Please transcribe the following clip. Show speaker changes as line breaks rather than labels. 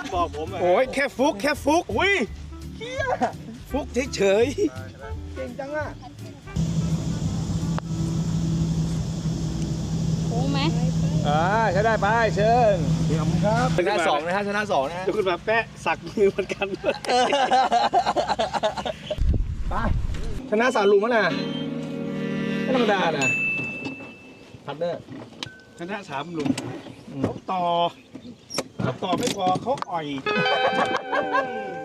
บอกผม
โอ้ยแค่ฟุก
อุ้ย
ฟุกเฉยๆเก่งจังอ่ะ
โค้งไหม
ใช้ได้ไปเชิญ
ขอบคุณครับ
ชนะ2นะฮะชนะ2นะฮะ
เดี๋ยวคุณมาแปะสักมือเหมือนกัน
ไปชนะ3หลุมแล้วนะไม่ธรรมดานะพัดเนอร์
ชนะ3หลุมเขาต่อไม่พอเขาอ่อย